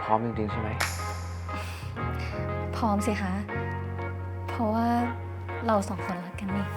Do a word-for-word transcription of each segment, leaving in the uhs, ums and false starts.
ร้อมจริงๆใช่ไหมพร้อมสิคะ เพราะว่าเราสองคนรักกันนี่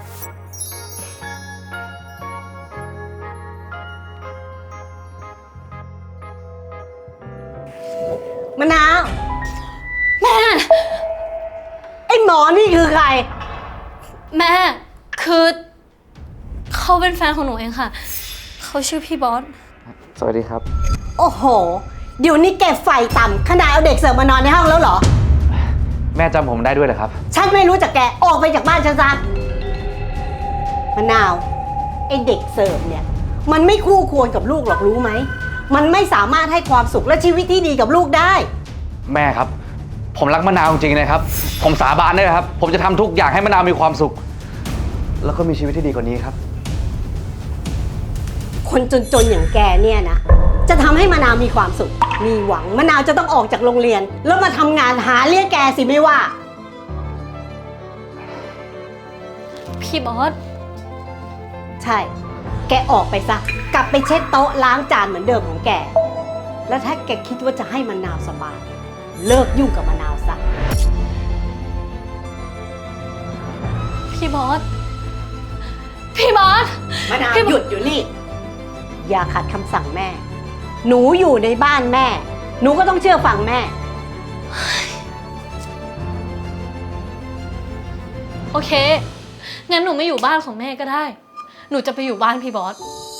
มะนาวแม่ไอ้หมอนี่คือใครแม่คือเขาเป็นแฟนของหนูเองค่ะเขาชื่อพี่บอสสวัสดีครับโอ้โหเดี๋ยวนี้แกไฟต่ำขนาดเอาเด็กเสิร์ฟมานอนในห้องแล้วเหรอแม่จำผมได้ด้วยเหรอครับฉันไม่รู้จักแกออกไปจากบ้านฉันซะมะนาวไอ้เด็กเสิร์ฟเนี่ยมันไม่คู่ควรกับลูกหรอกรู้ไหมมันไม่สามารถให้ความสุขและชีวิตที่ดีกับลูกได้แม่ครับผมรักมะนาวจริงๆนะครับผมสาบานได้ครับผมจะทำทุกอย่างให้มะนาวมีความสุขแล้วก็มีชีวิตที่ดีกว่านี้ครับคนจนๆอย่างแกเนี่ยนะจะทำให้มะนาวมีความสุขมีหวังมะนาวจะต้องออกจากโรงเรียนแล้วมาทำงานหาเลี้ยงแกสิไม่ว่าพี่บอสใช่แกออกไปซะกลับไปเช็ดโต๊ะล้างจานเหมือนเดิมของแกแล้วถ้าแกคิดว่าจะให้มะนาวสบายเลิกยุ่งกับมะนาวซะพี่บอสพี่บอสมะนาวหยุดอยู่นี่อย่าขัดคำสั่งแม่หนูอยู่ในบ้านแม่หนูก็ต้องเชื่อฟังแม่โอเคงั้นหนูไม่อยู่บ้านของแม่ก็ได้หนูจะไปอยู่บ้านพี่บอส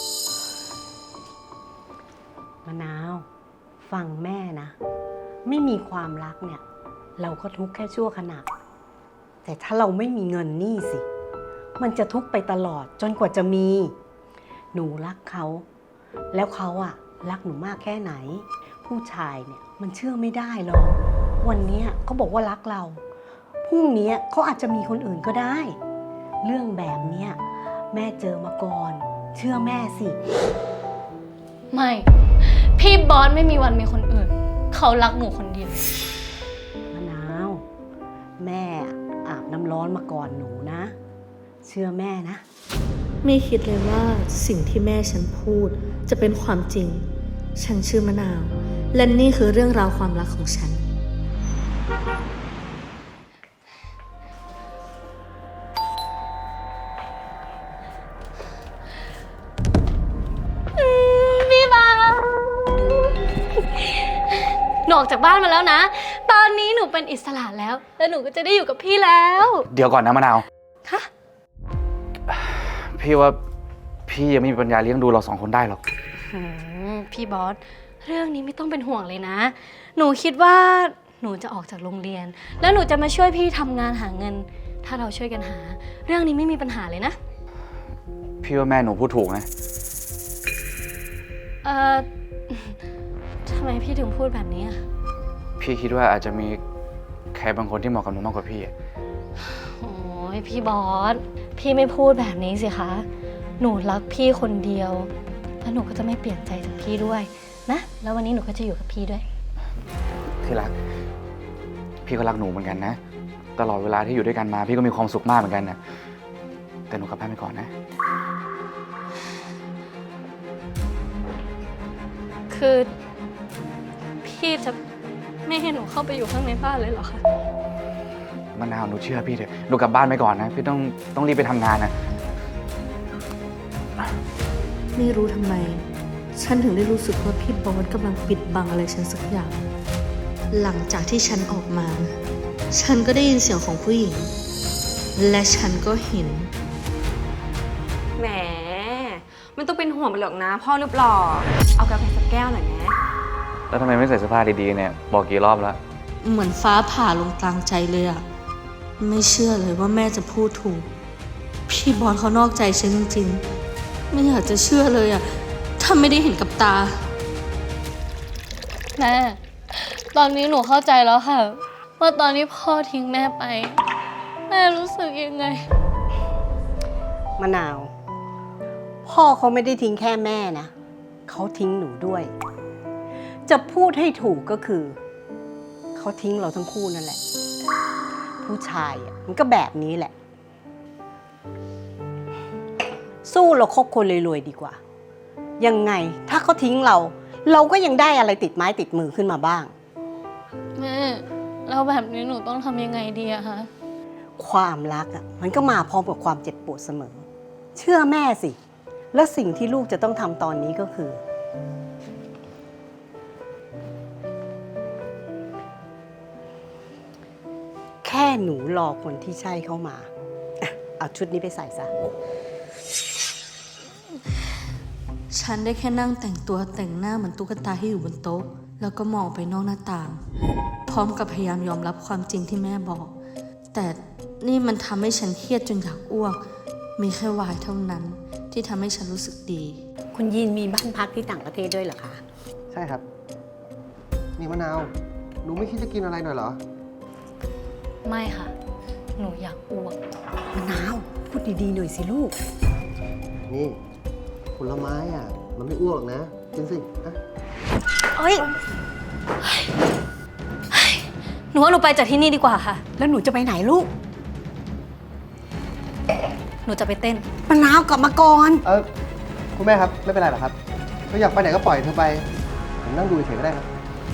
มะนาวฟังแม่นะไม่มีความรักเนี่ยเราก็ทุกข์แค่ชั่วขณะแต่ถ้าเราไม่มีเงินนี่สิมันจะทุกข์ไปตลอดจนกว่าจะมีหนูรักเขาแล้วเขาอะรักหนูมากแค่ไหนผู้ชายเนี่ยมันเชื่อไม่ได้หรอกวันนี้เขาบอกว่ารักเราพรุ่งนี้เขาอาจจะมีคนอื่นก็ได้เรื่องแบบเนี้ยแม่เจอมาก่อนเชื่อแม่สิไม่พี่บอสไม่มีวันมีคนอื่นเขารักหนูคนเดียวมะนาวแม่อาบน้ำร้อนมาก่อนหนูนะเชื่อแม่นะไม่คิดเลยว่าสิ่งที่แม่ฉันพูดจะเป็นความจริงฉันชื่อมะนาวและนี่คือเรื่องราวความรักของฉันพี่บอสหนูออกจากบ้านมาแล้วนะตอนนี้หนูเป็นอิสระแล้วแล้วหนูก็จะได้อยู่กับพี่แล้วเดี๋ยวก่อนนะมะนาวฮะพี่ว่าพี่ยังไม่มีปัญญาเลี้ยงดูเราสองคนได้หรอกพี่บอสเรื่องนี้ไม่ต้องเป็นห่วงเลยนะหนูคิดว่าหนูจะออกจากโรงเรียนแล้วหนูจะมาช่วยพี่ทำงานหาเงินถ้าเราช่วยกันหาเรื่องนี้ไม่มีปัญหาเลยนะพี่ว่าแม่หนูพูดถูกนะเอ่อทำไมพี่ถึงพูดแบบนี้อ่ะพี่คิดว่าอาจจะมีใครบางคนที่เหมาะกับหนูมากกว่าพี่โอ้ยพี่บอสพี่ไม่พูดแบบนี้สิคะหนูรักพี่คนเดียวแล้วหนูก็จะไม่เปลี่ยนใจจากพี่ด้วยนะแล้ววันนี้หนูก็จะอยู่กับพี่ด้วยที่รักพี่ก็รักหนูเหมือนกันนะตลอดเวลาที่อยู่ด้วยกันมาพี่ก็มีความสุขมากเหมือนกันนะแต่หนูกลับบ้านไปก่อนนะคือพี่จะไม่ให้หนูเข้าไปอยู่ข้างในบ้านเลยเหรอคะมะนาวหนูเชื่อพี่เถอะหนูกลับบ้านไปก่อนนะพี่ต้องต้องรีบไปทำงานนะไม่รู้ทำไมฉันถึงได้รู้สึกว่าพี่บอสกำลังปิดบังอะไรฉันสักอย่างหลังจากที่ฉันออกมาฉันก็ได้ยินเสียงของผู้หญิงและฉันก็เห็นแหมไม่ต้องเป็นห่วงไปหรอกนะพ่อรูปหล่อเอากาแฟสักแก้วหน่อยนะแล้วทำไมไม่ใส่เสื้อผ้าดีๆเนี่ยบอกกี่รอบแล้วเหมือนฟ้าผ่าลงกลางใจเลยอะไม่เชื่อเลยว่าแม่จะพูดถูกพี่บอสเขานอกใจฉันจริงๆไม่อยากจะเชื่อเลยอะถ้าไม่ได้เห็นกับตาแม่ตอนนี้หนูเข้าใจแล้วค่ะว่าตอนนี้พ่อทิ้งแม่ไปแม่รู้สึกยังไงมะนาวพ่อเขาไม่ได้ทิ้งแค่แม่นะเขาทิ้งหนูด้วยจะพูดให้ถูกก็คือเขาทิ้งเราทั้งคู่นั่นแหละผู้ชายอ่ะมันก็แบบนี้แหละสู้เราคบคนรวยๆดีกว่ายังไงถ้าเขาทิ้งเราเราก็ยังได้อะไรติดไม้ติดมือขึ้นมาบ้างแม่แล้วแบบนี้หนูต้องทำยังไงดีอะคะความรักอ่ะมันก็มาพร้อมกับความเจ็บปวดเสมอ เชื่อแม่สิ และสิ่งที่ลูกจะต้องทำตอนนี้ก็คือ แค่หนูรอคนที่ใช่เข้ามาอ่ะเอาชุดนี้ไปใส่ซะฉันได้แค่นั่งแต่งตัวแต่งหน้าเหมือนตุ๊กตาที่อยู่บนโต๊ะ แล้วก็มองไปนอกหน้าต่าง พร้อมกับพยายามยอมรับความจริงที่แม่บอก แต่นี่มันทำให้ฉันเครียดจนอยากอ้วก มีแค่วายเท่านั้นที่ทำให้ฉันรู้สึกดีคุณยีนมีบ้านพักที่ต่างประเทศด้วยเหรอคะใช่ครับ นี่มะนาว หนูไม่คิดจะกินอะไรหน่อยเหรอไม่ค่ะ หนูอยากอ้วกมะนาว พูดดีๆหน่อยสิลูกนี่ผลไม้อ่ะ มันไม่อ้วกหรอกนะ กินสิอะเอ้ย หนูว่าหนูไปจากที่นี่ดีกว่าค่ะแล้วหนูจะไปไหนลูกหนูจะไปเต้นมะนาวกลับมาก่อนเออคุณแม่ครับ ไม่เป็นไรหรอกครับเธออยากไปไหนก็ปล่อยเธอไป ผมนั่งดูเฉยๆก็ได้ครับ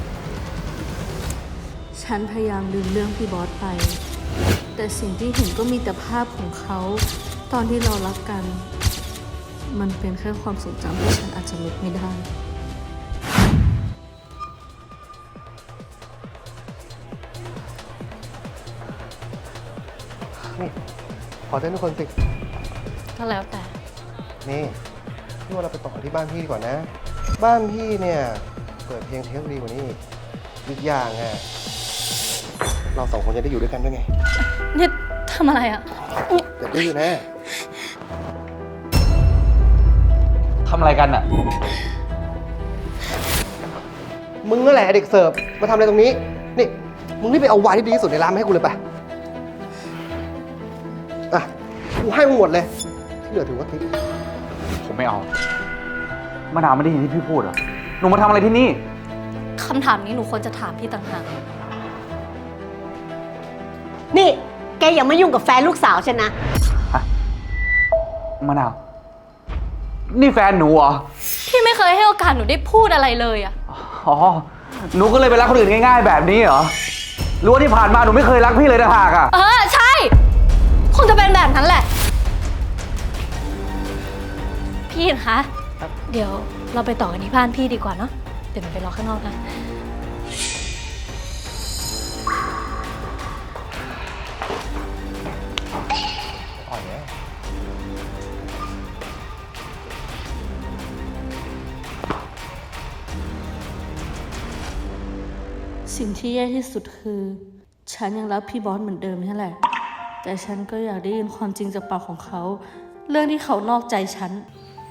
ฉันพยายามลืมเรื่องพี่บอสไป แต่สิ่งที่เห็นก็มีแต่ภาพของเขา ตอนที่เรารักกัน มันเป็นแค่ความทรงจำที่ฉันอาจจะลบไม่ได้นี่ ขอเต้นทุกคนสิก็แล้วแต่นี่พี่ว่าเราไปต่อที่บ้านพี่ดีกว่านะ บ้านพี่เนี่ย เปิดเพลงเทปดีกว่านี้อีกอีกอย่างอ่ะ เราสองคนจะได้อยู่ด้วยกันด้วยไงนี่ทำอะไรอะเดี๋ยวได้อยู่แน่ทำอะไรกันอะมึงนั่นแหละเด็กเสิร์ฟ มาทำอะไรตรงนี้ นี่ มึงรีบไปเอาไวน์ที่ดีที่สุดในร้านมาให้กูเลยไปอ่ะ กูให้มึงหมดเลย ที่เหลือถือว่าทิปผมไม่เอามะนาวไม่ได้ยินที่พี่พูดเหรอ หนูมาทำอะไรที่นี่คำถามนี้หนูควรจะถามพี่ต่างหากนี่ แกอย่ามายุ่งกับแฟนลูกสาวฉันนะมะนาว นี่แฟนหนูเหรอพี่ไม่เคยให้โอกาสหนูได้พูดอะไรเลยอะอ๋อ หนูก็เลยไปรักคนอื่นง่ายๆแบบนี้เหรอรู้ว่าที่ผ่านมาหนูไม่เคยรักพี่เลยนะหากอะเออ ใช่ คงจะเป็นแบบนั้นแหละ พี่คะ เดี๋ยวเราไปต่อกันที่บ้านพี่ดีกว่าเนาะ เดี๋ยวหนูไปรอข้างนอกนะอ่อยแน่สิ่งที่แย่ที่สุดคือ ฉันยังรักพี่บอสเหมือนเดิมนี่แหละ แต่ฉันก็อยากได้ยินความจริงจากปากของเขา เรื่องที่เขานอกใจฉัน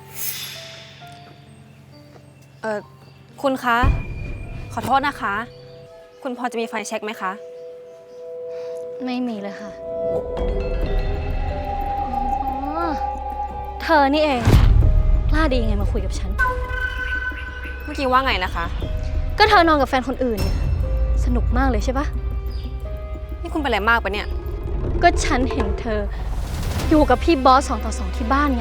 เออคุณคะ ขอโทษนะคะ คุณพอจะมีไฟเช็คไหมคะไม่มีเลยค่ะ อ๋อ เธอนี่เองกล้าดียังไงมาคุยกับฉันเมื่อกี้ว่าไงนะคะก็เธอนอนกับแฟนคนอื่นเนี่ย สนุกมากเลยใช่ปะนี่คุณเป็นอะไรมากปะเนี่ยก็ฉันเห็นเธอ อยู่กับพี่บอสสองต่อสองที่บ้านไง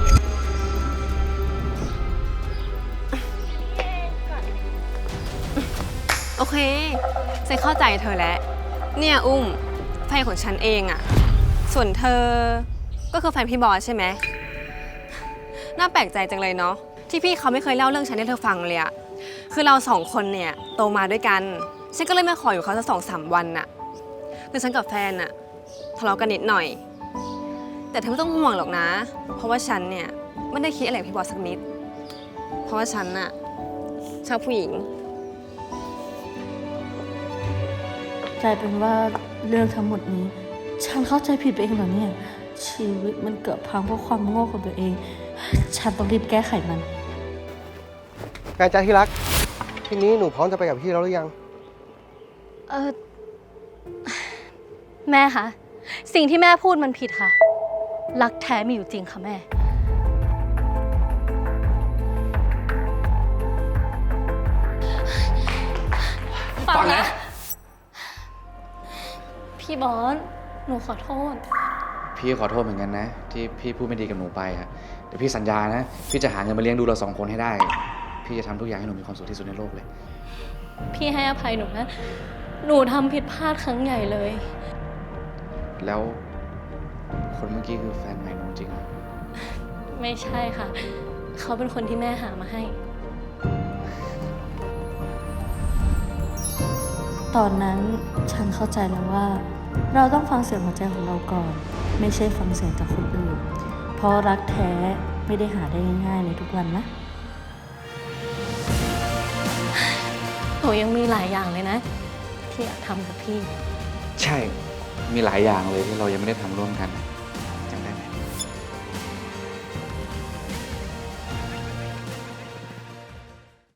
โอเคฉันเข้าใจเธอแล้ว เนี่ยอุ้มแฟนของฉันเองอะส่วนเธอก็คือแฟนพี่บอสใช่ไหม น่าแปลกใจจังเลยเนาะที่พี่เขาไม่เคยเล่าเรื่องฉันให้เธอฟังเลยอะคือเราสองคนเนี่ยโตมาด้วยกัน ฉันก็เลยมาขออยู่เขาสักสองสามวันน่ะคือฉันกับแฟนน่ะทะเลาะกันนิดหน่อย แต่เธอไม่ต้องห่วงหรอกนะ เพราะว่าฉันเนี่ยไม่ได้คิดอะไรกับพี่บอสสักนิด เพราะว่าฉันน่ะชอบผู้หญิงกลายเป็นว่าเรื่องทั้งหมดนี้ ฉันเข้าใจผิดไปเองเหรอเนี่ย ชีวิตมันเกิดพังเพราะความโง่ของตัวเอง ฉันต้องรีบแก้ไขมันการใจที่รัก ทีนี้หนูพร้อมจะไปกับพี่แล้วหรือยังเออ แม่คะ สิ่งที่แม่พูดมันผิดค่ะ รักแท้มีอยู่จริงค่ะแม่ ฟังนะ พี่บอส หนูขอโทษพี่ขอโทษเหมือนกันนะ ที่พี่พูดไม่ดีกับหนูไปอะแต่พี่สัญญานะ พี่จะหาเงินมาเลี้ยงดูเราสองคนให้ได้ พี่จะทำทุกอย่างให้หนูมีความสุขที่สุดในโลกเลยพี่ให้อภัยหนูนะหนูทำผิดพลาดครั้งใหญ่เลยแล้วคนเมื่อกี้คือแฟนใหม่หนูจริงเหรอไม่ใช่ค่ะ เขาเป็นคนที่แม่หามาให้ตอนนั้นฉันเข้าใจแล้วว่า เราต้องฟังเสียงหัวใจของเราก่อน ไม่ใช่ฟังเสียงจากคนอื่น เพราะรักแท้ไม่ได้หาได้ง่ายๆในทุกวันนะหนูยังมีหลายอย่างเลยนะ ที่อยากทำกับพี่ใช่ มีหลายอย่างเลยที่เรายังไม่ได้ทำร่วมกัน เ